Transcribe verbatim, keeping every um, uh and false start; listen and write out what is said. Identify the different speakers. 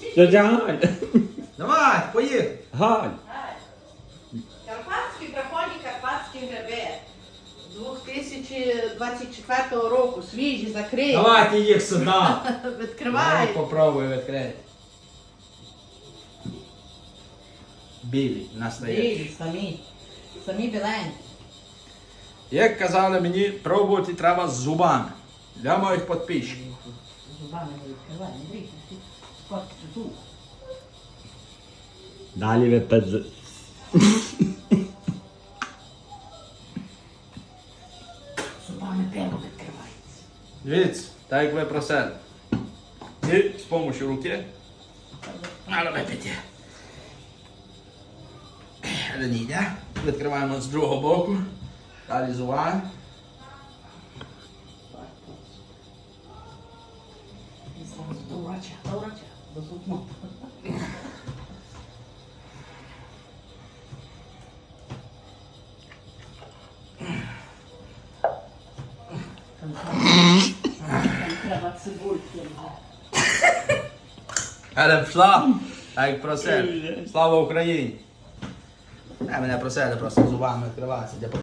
Speaker 1: Тетя Галь.
Speaker 2: Давай, поїхали.
Speaker 1: Галь.
Speaker 3: Карпатські драконі, карпатські гриби. дві тисячі двадцять четвертого року, свіжі, закриті.
Speaker 2: Давайте їх сюди.
Speaker 3: Відкривай.
Speaker 2: Попробуй відкрити. Білі, настоящі.
Speaker 3: Білі, самі. Самі біленькі.
Speaker 2: Як казали мені, пробувати треба з зубами. Для моїх підписчиків.
Speaker 3: Зубами не відкривай, не дрійся. Скотки зуб.
Speaker 1: Далі ви пез...
Speaker 3: Зубами пиво відкривається.
Speaker 2: Дивіться, так як ви просили. І з допомогою руки. Але випити. Але не йде. Відкриваємо з другого боку. Далі зубами.
Speaker 3: До врача, до врача, до зубного. Там треба цибульки.
Speaker 2: Але пішла, так як просили. Слава Україні! А мене просили просто зубами відкриватися.